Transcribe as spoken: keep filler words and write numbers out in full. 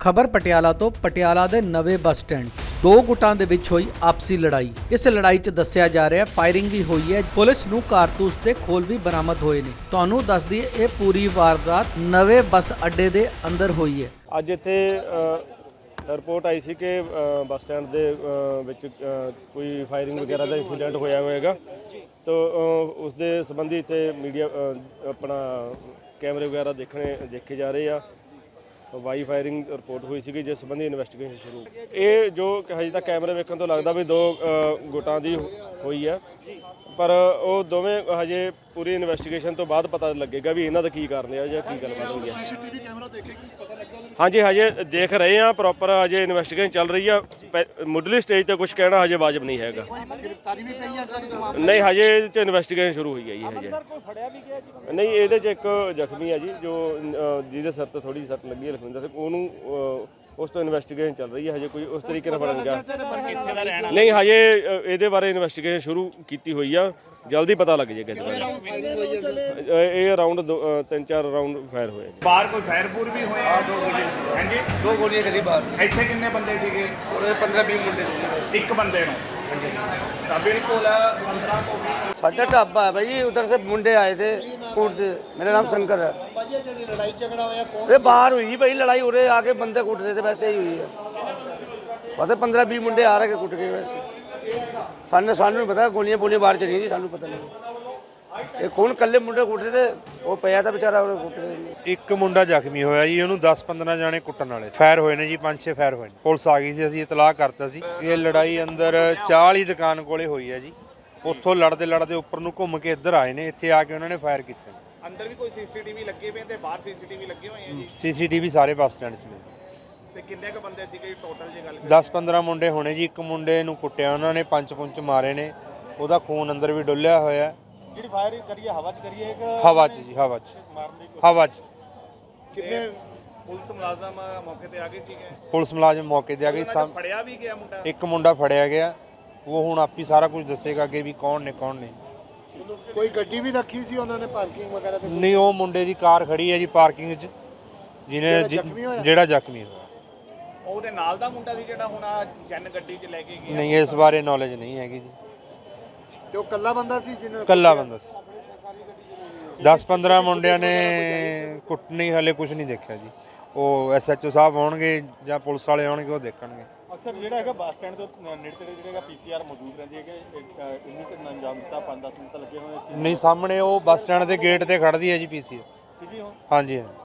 ਖਬਰ ਪਟਿਆਲਾ ਤੋਂ। ਪਟਿਆਲਾ ਦੇ ਨਵੇਂ ਬੱਸ ਸਟੈਂਡ ਦੋ ਗੁੱਟਾਂ ਦੇ ਵਿੱਚ ਹੋਈ ਆਪਸੀ ਲੜਾਈ। ਇਸ ਲੜਾਈ 'ਚ ਦੱਸਿਆ ਜਾ ਰਿਹਾ ਫਾਇਰਿੰਗ ਵੀ ਹੋਈ ਹੈ। ਪੁਲਿਸ ਨੂੰ ਕਾਰਤੂਸ ਤੇ ਖੋਲ ਵੀ ਬਰਾਮਦ ਹੋਏ ਨੇ। ਤੁਹਾਨੂੰ ਦੱਸ ਦਈਏ ਇਹ ਪੂਰੀ ਵਾਰਦਾਤ ਨਵੇਂ ਬੱਸ ਅੱਡੇ ਦੇ ਅੰਦਰ ਹੋਈ ਹੈ। ਅੱਜ ਇੱਥੇ ਰਿਪੋਰਟ ਆਈ ਸੀ ਕਿ ਬੱਸ ਸਟੈਂਡ ਦੇ ਵਿੱਚ ਕੋਈ ਫਾਇਰਿੰਗ ਵਗੈਰਾ ਦਾ ਇੰਸੀਡੈਂਟ ਹੋਇਆ ਹੋਵੇਗਾ। ਤਾਂ ਉਸ ਦੇ ਸੰਬੰਧੀ ਇੱਥੇ ਮੀਡੀਆ ਆਪਣਾ ਕੈਮਰੇ ਵਗੈਰਾ ਦੇਖਣੇ ਦੇਖੇ ਜਾ ਰਹੇ ਆ। ਵਾਈ ਫਾਇਰਿੰਗ ਰਿਪੋਰਟ ਹੋਈ ਸੀ ਜਿਸ ਸੰਬੰਧੀ ਇਨਵੈਸਟੀਗੇਸ਼ਨ ਸ਼ੁਰੂ। ਇਹ ਜੋ ਹਜੇ ਤੱਕ ਕੈਮਰੇ ਵੇਖਣ ਤੋਂ ਲੱਗਦਾ ਵੀ ਦੋ ਗੁੱਟਾਂ ਦੀ ਹੋਈ ਹੈ, ਪਰ ਉਹ ਦੋਵੇਂ ਹਜੇ ਪੂਰੀ ਇਨਵੈਸਟੀਗੇਸ਼ਨ ਤੋਂ ਬਾਅਦ ਪਤਾ ਲੱਗੇਗਾ ਵੀ ਇਹਨਾਂ ਦਾ ਕੀ ਕਾਰਨ ਹੈ ਜਾਂ ਕੀ ਗੱਲਬਾਤ ਹੋਈ ਹੈ। ਸੀਸੀਟੀਵੀ ਕੈਮਰਾ ਦੇਖੇ ਕੁਝ ਪਤਾ ਲੱਗਾ? ਹਾਂਜੀ, ਹਜੇ ਦੇਖ ਰਹੇ ਆ, ਪ੍ਰੋਪਰ ਹਜੇ ਇਨਵੈਸਟੀਗੇਸ਼ਨ ਚੱਲ ਰਹੀ ਆ। ਮੁੱਢਲੀ ਸਟੇਜ ਤੇ ਕੁਝ ਕਹਿਣਾ ਹਜੇ ਵਾਜਬ ਨਹੀਂ ਹੈਗਾ। ਗ੍ਰਿਫਤਾਰੀ ਵੀ ਪਈ ਹੈ ਸਰ? ਨਹੀਂ, ਹਜੇ ਇਹਦੇ 'ਚ ਇਨਵੈਸਟੀਗੇਸ਼ਨ ਸ਼ੁਰੂ ਹੋਈ ਹੈ ਜੀ। ਹਜੇ ਨਹੀਂ, ਇਹਦੇ 'ਚ ਇੱਕ ਜ਼ਖਮੀ ਹੈ ਜੀ, ਜੋ ਜਿਹਦੇ ਸਿਰ ਤੇ ਥੋੜੀ ਸੱਟ ਲੱਗੀ ਹੈ, ਲਖਵਿੰਦਰ ਸਿੰਘ। ਉਹਨੂੰ ਉਸ ਤੋਂ ਇਨਵੈਸਟੀਗੇਸ਼ਨ ਚੱਲ ਰਹੀ ਹੈ। ਹਜੇ ਕੋਈ ਉਸ ਤਰੀਕੇ ਨਾਲ ਫੜਨ ਗਿਆ ਨਹੀਂ। ਹਜੇ ਇਹਦੇ ਬਾਰੇ ਇਨਵੈਸਟੀਗੇਸ਼ਨ ਸ਼ੁਰੂ ਕੀਤੀ ਹੋਈ ਆ, ਜਲਦੀ ਪਤਾ ਲੱਗ ਜਾਏਗਾ। ਇਹ ਅਰਾਊਂਡ ਤਿੰਨ ਚਾਰ ਰਾਊਂਡ ਫਾਇਰ ਹੋਏ। ਬਾਹਰ ਕੋਈ ਫਾਇਰ ਫੂਰ ਵੀ ਹੋਇਆ? ਦੋ ਗੋਲੀਆਂ। ਹਾਂਜੀ, ਦੋ ਗੋਲੀਆਂ ਚੱਲੀ ਬਾਹਰ। ਇੱਥੇ ਕਿੰਨੇ ਬੰਦੇ ਸੀਗੇ? ਉਹਦੇ ਪੰद्रह बीस ਮੁੰਡੇ ਸੀ। ਇੱਕ ਬੰਦੇ ਨੂੰ? ਹਾਂਜੀ, ਤਾਂ ਬਿਲकुल पंद्रह ਤੋਂ ਵੀਹ। ਸਾਡਾ ਢਾਬਾ ਹੈ ਭਾਈ, ਉਧਰ ਸੇ ਮੁੰਡੇ ਆਏ थे कूट से। मेरा नाम शंकर है। ਭਾਜੀ ਜਿਹੜੀ ਲੜਾਈ ਝਗੜਾ ਹੋਇਆ ਕੌਣ? ये बाहर हुई भाई लड़ाई, उरे आके बंदे कूट रहे थे, वैसे ही हुई है। पता पंद्रह बीस मुंडे आ रहे कूट के वैसे। सानू सानू नहीं पता, गोलियां बोलियां बाहर चली थी, सानू पता नहीं। ये कौन कल्ले मुंडे कूट रहे थे, वो पिया था बेचारा और कूट रहे। ਇੱਕ ਮੁੰਡਾ ਜ਼ਖਮੀ ਹੋਇਆ ਜੀ, ਉਹਨੂੰ ਦਸ ਪੰਦਰਾਂ ਜਾਣੇ ਕੁੱਟਣ ਵਾਲੇ ਫਾਇਰ ਹੋਏ ਨੇ ਜੀ। ਪੰਜ ਛੇ ਫਾਇਰ ਹੋਏ ਨੇ। ਪੁਲਿਸ ਆ ਗਈ ਸੀ, ਅਸੀਂ ਇਤਲਾਹ ਕਰਤਾ ਸੀ। ਇਹ ਲੜਾਈ ਅੰਦਰ ਚਾਹ ਵਾਲੀ ਦੁਕਾਨ ਕੋਲੇ ਹੋਈ ਹੈ ਜੀ। ਉੱਥੋਂ ਲੜਦੇ ਲੜਦੇ ਉੱਪਰ ਨੂੰ ਘੁੰਮ ਕੇ ਇੱਧਰ ਆਏ ਨੇ। ਇੱਥੇ ਆ ਕੇ ਉਹਨਾਂ ਨੇ ਫਾਇਰ ਕੀਤੇ। ਅੰਦਰ ਵੀ ਕੋਈ ਸੀਸੀਟੀਵੀ ਲੱਗੇ ਪਏ ਤੇ ਬਾਹਰ ਸੀਸੀਟੀਵੀ ਲੱਗੇ ਹੋਏ ਆ ਜੀ? ਸੀਸੀਟੀਵੀ ਸਾਰੇ ਬੱਸ ਸਟੈਂਡ 'ਚ ਨੇ। ਤੇ ਕਿੰਨੇ ਕ ਬੰਦੇ ਸੀਗੇ ਟੋਟਲ ਜੇ ਗੱਲ? ਦਸ ਪੰਦਰਾਂ ਮੁੰਡੇ ਹੋਣੇ ਜੀ। ਇੱਕ ਮੁੰਡੇ ਨੂੰ ਕੁੱਟਿਆ ਉਹਨਾਂ ਨੇ, ਪੰਜ ਪੁੰਚ ਮਾਰੇ ਨੇ, ਉਹਦਾ ਖੂਨ ਅੰਦਰ ਵੀ ਡੁੱਲਿਆ ਹੋਇਆ। ਜਿਹੜੀ ਫਾਇਰ ਕਰੀਏ ਹਵਾ 'ਚ ਕਰੀਏ ਕਿ ਹਵਾ 'ਚ ਜੀ, ਹਵਾ 'ਚ ਮਾਰਨ ਦੀ? ਹਵਾ 'ਚ। ਕਿੰਨੇ ਪੁਲਿਸ ਮੁਲਾਜ਼ਮ ਮੌਕੇ ਤੇ ਆ ਗਏ ਸੀਗੇ? ਪੁਲਿਸ ਮੁਲਾਜ਼ਮ ਮੌਕੇ ਤੇ ਆ ਗਈ। ਫੜਿਆ ਵੀ ਗਿਆ ਮੁੰਡਾ? ਇੱਕ ਮੁੰਡਾ ਫੜਿਆ ਗਿਆ, ਉਹ ਹੁਣ ਆਪੀ ਸਾਰਾ ਕੁਝ ਦੱਸੇਗਾ ਅੱਗੇ ਵੀ ਕੌਣ ਨੇ ਕੌਣ ਨਹੀਂ। ਕੋਈ ਗੱਡੀ ਵੀ ਰੱਖੀ ਸੀ ਉਹਨਾਂ ਨੇ ਪਾਰਕਿੰਗ ਵਗੈਰਾ ਤੇ? ਨਹੀਂ, ਉਹ ਮੁੰਡੇ ਦੀ ਕਾਰ ਖੜੀ ਹੈ ਜੀ ਪਾਰਕਿੰਗ 'ਚ, ਜਿਹਨੇ ਜਿਹੜਾ ਜ਼ਖਮੀ ਹੋਇਆ। ਉਹਦੇ ਨਾਲ ਦਾ ਮੁੰਡਾ ਸੀ ਜਿਹੜਾ ਹੁਣ ਆ ਜਨ ਗੱਡੀ 'ਚ ਲੈ ਕੇ ਗਿਆ? ਨਹੀਂ, ਇਸ ਬਾਰੇ ਨੌਲੇਜ ਨਹੀਂ ਹੈਗੀ ਜੀ। ਤੇ ਉਹ ਕੱਲਾ ਬੰਦਾ ਸੀ ਜਿਹਨੇ? ਇਕੱਲਾ ਬੰਦਾ ਸੀ। ਦਸ ਪੰਦਰਾਂ ਮੁੰਡਿਆਂ ਨੇ ਕੁੱਟ ਨਹੀਂ, ਹਲੇ ਕੁਝ ਨਹੀਂ ਦੇਖਿਆ ਜੀ। ਉਹ ਐਸ ਐਚ ਓ ਸਾਹਿਬ ਆਉਣਗੇ ਜਾਂ ਪੁਲਿਸ ਵਾਲੇ ਆਉਣਗੇ, ਉਹ ਦੇਖਣਗੇ। ਅਕਸਰ ਜਿਹੜਾ ਹੈਗਾ ਬੱਸ ਸਟੈਂਡ ਤੋਂ ਨੇੜੇ ਤੇੜੇ ਜਿਹੜਾ ਪੀ ਸੀ ਆਰ ਮੌਜੂਦ ਰਹਿੰਦੀ ਹੈ ਕਿ ਇੰਨੀ ਕਿ ਅੰਜਾਮ ਦਿੱਤਾ ਪੰਜ ਦਸ ਮਿੰਟ ਲੱਗੇ ਹੋਏ ਸੀ। ਨਹੀਂ, ਸਾਹਮਣੇ ਉਹ ਬੱਸ ਸਟੈਂਡ ਦੇ ਗੇਟ ਤੇ ਖੜਦੀ ਹੈ ਜੀ ਪੀ ਸੀ ਆਰ। ਸੀਗੀ ਉਹ? ਹਾਂਜੀ ਹਾਂ।